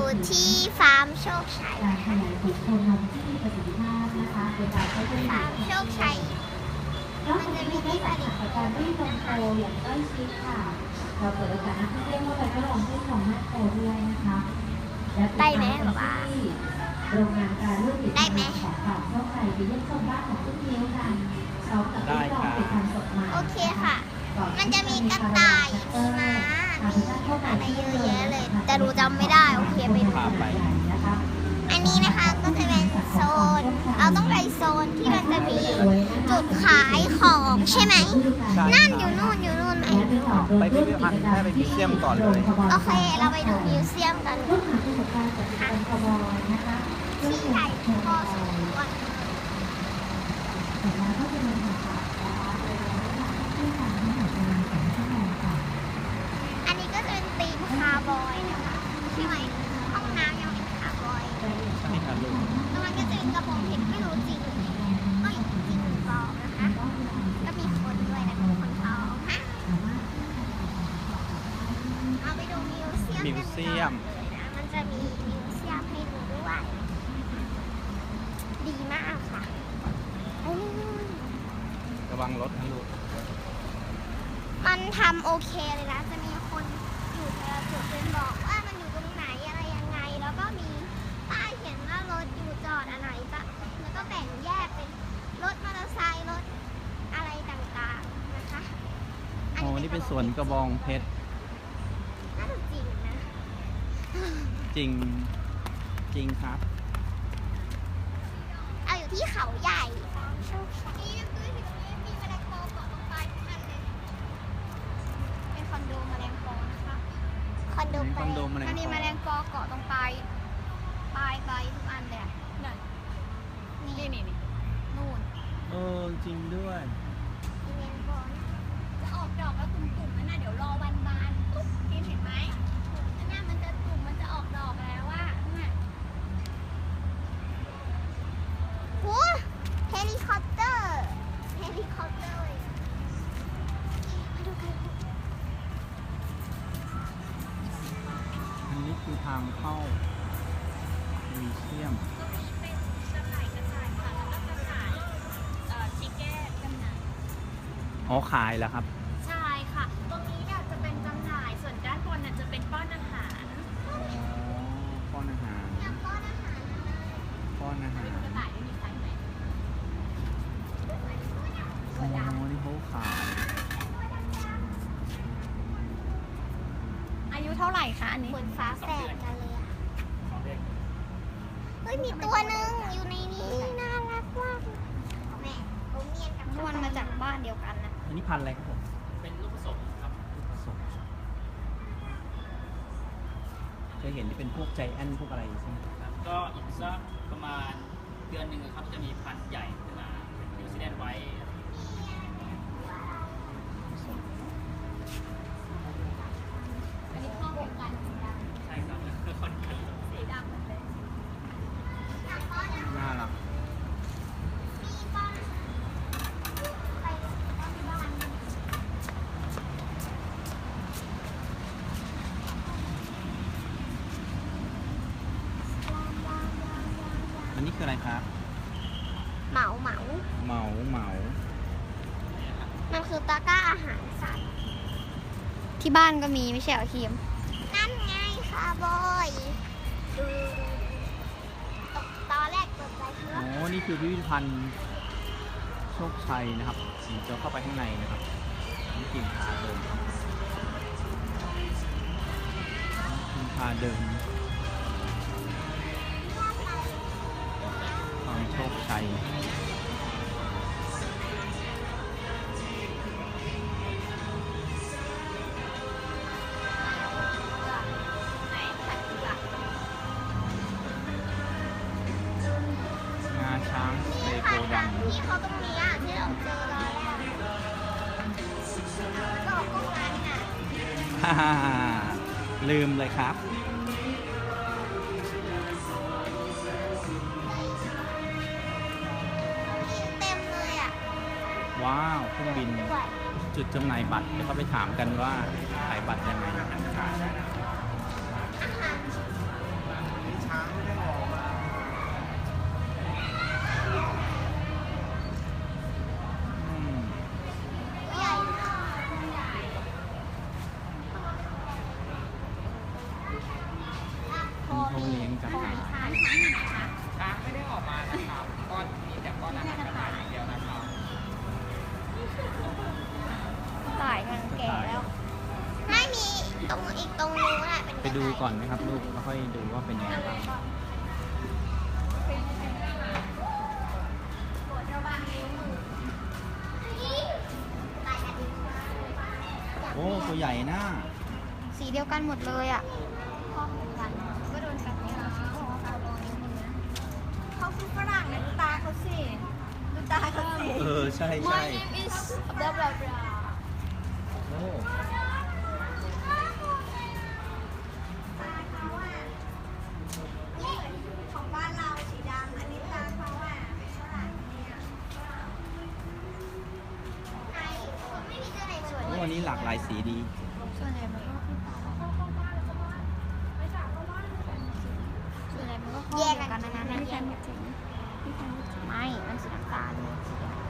ที่ฟาร์มโชคชัยฟาร์มโชคชัยมันจะมีที่ผลิตการที่ลงโตอย่างใกล้ชิดค่ะเราเปิดโอกาสให้ผู้เล่นเข้าไปทดลองเส้นของแม่โตด้วยนะคะได้ไหมหรอวะโรงงานการเลือกติดของฝากโชคชัยไปเยี่ยมชมบ้านของทุกนิ้วกันพร้อมกับที่ลองติดทำสดใหม่โอเคค่ะมันจะมีกระต่ายมีม้ามีอะไรเยอะแยะเลยแต่หนูจำไม่ได้โอเคไปดูอันนี้นะคะก็จะเป็นโซนเราต้องไปโซนที่มันจะมีจุดขายของใช่ไหมนั่นอยู่นู่นไหมไปพิพิธภัณฑ์แค่ไปมิวเซียมก่อนเลยโอเคเราไปดูมิวเซียมกันที่ใหญ่พอสมควรอันนี้ก็จะเป็นธีมคาร์บอยนะคะใช่ไหมห้องน้ำยังเป็นคาร์บอยใช่ครับลูกตรงนั้นก็จะเป็นกระโปรงเพชรไม่รู้จริงหรือไม่จริงหรือเปล่านะคะก็มีคนด้วยนะเป็นคนท้องฮะเอาไปดูมิวเซียมกันต่อมันจะมีมิวเซียมให้ดูด้วยดีมากค่ะระวังรถนะลูกมันทำโอเคเลยนะจะมีคนอยู่แต่ละจุดเป็นบอกว่ามันอยู่ตรงไหนอะไรยังไงแล้วก็มีป้ายเขียนว่ารถอยู่จอดอะไรแล้วก็แบ่งแยกเป็นรถมอเตอร์ไซค์รถอะไรต่างๆนะคะอ๋อนี่เป็นสวนกระบองเพชรน่าจะจริงนะจริงครับเอาอยู่ที่เขาใหญ่นี่คือถึงนี้มีแมลงปอเกาะตรงปลายทุกอันเลยเป็นคอนโดแมลงปอนะคะคอนโดแมลงอันนี้แมลงปอเกาะตรงปลายใบทุกอันเลยนั่นนี่นู่นจริงด้วยแมลงปอจะออกดอกแล้วตุ่มๆนั่นน่ะเดี๋ยวรอวันบานตุ๊บกินเห็นไหมนั่นมันจะตุ่มมันจะออกดอกแล้วว่าโอ้เฮลิคอปเตอร์มาดูกันอันนี้คือทางเข้ามิวเซียมตรงนี้เป็นจำหน่ายกระต่ายค่ะแล้วก็จำหน่ายชิคเก้นจำหน่ายอ๋อขายแล้วครับใช่ค่ะตรงนี้เนี่ยจะเป็นจำหน่ายส่วนด้านบนเนี่ยจะเป็นป้อนอาหารป้อนอาหารป้อนอาหารกระต่ายไม่มีใครไหมอ๋อนี่เขาขายอายุเท่าไหร่คะอันนี้เหมือนฟ้าแฝดกันเลยอะเฮ้ยมีตัวหนึ่งอยู่ในนี้น่ารักมากแม่เขาเมียนกับมันมาจากบ้านเดียวกันนะอันนี้พันธุ์อะไรครับผมเป็นลูกผสมครับลูกผสมเคยเห็นที่เป็นพวกใจแอนพวกอะไรใช่ไหมครับก็อีกสักประมาณเดือนหนึ่งครับจะมีพันธุ์ใหญ่ขึ้นมาเป็นนิวซีแลนด์ไว้อันนี้ข้อมูลกันใช่ครับคือคนเขียวสีดำเลยน่ารักอันนี้คืออะไรครับเหมามันคือตะกร้าอาหารสัตว์ที่บ้านก็มีไม่ใช่เหรอทีมนั่นไงค่ะบอยตอนแรกตกใจคืออ๋อนี่คือพิพิธภัณฑ์โชคชัยนะครับจะเข้าไปข้างในนะครับนี่กิ่งพาเดินความโชคชัยช้างเลโกดังที่เขาตรงนี้อ่ะที่เราเจอตอนแรกก็พวกนั้นน่ะลืมเลยครับเต็มเลยอ่ะว้าวเครื่องบินจุดจำหน่ายบัตรเดี๋ยวเขาไปถามกันว่าขายบัตรยังไงกระต่ายช้างไม่ได้ออกมานะครับก้อนมีแต่ก้อนอาหารกระต่ายอย่างเดียวนะครับกระต่ายมันแก่แล้วไม่มีตรงอีกตรงนู้นอะเป็นไปดูก่อนไหมครับลูกแล้วค่อยดูว่าเป็นยังไงบ้าง โอ้ตัวใหญ่นะสีเดียวกันหมดเลยอ่ะพ่อเหมือนกันก็โดนกัดเนี่ยเขาคือฝรั่งนะดูตาเขาสิดูตาเขาสิใช่ใช่ My name is blah blah blah โอ้ของบ้านเราสีดำอันนี้ตาเขาอ่ะฝรั่งเนี่ยไหนไม่มีตัวไหนสวยโอ้วันนี้หลากหลายสีดีส่วนใหญ่มันก็แยกกันนะไม่ มันสีน้ำตาล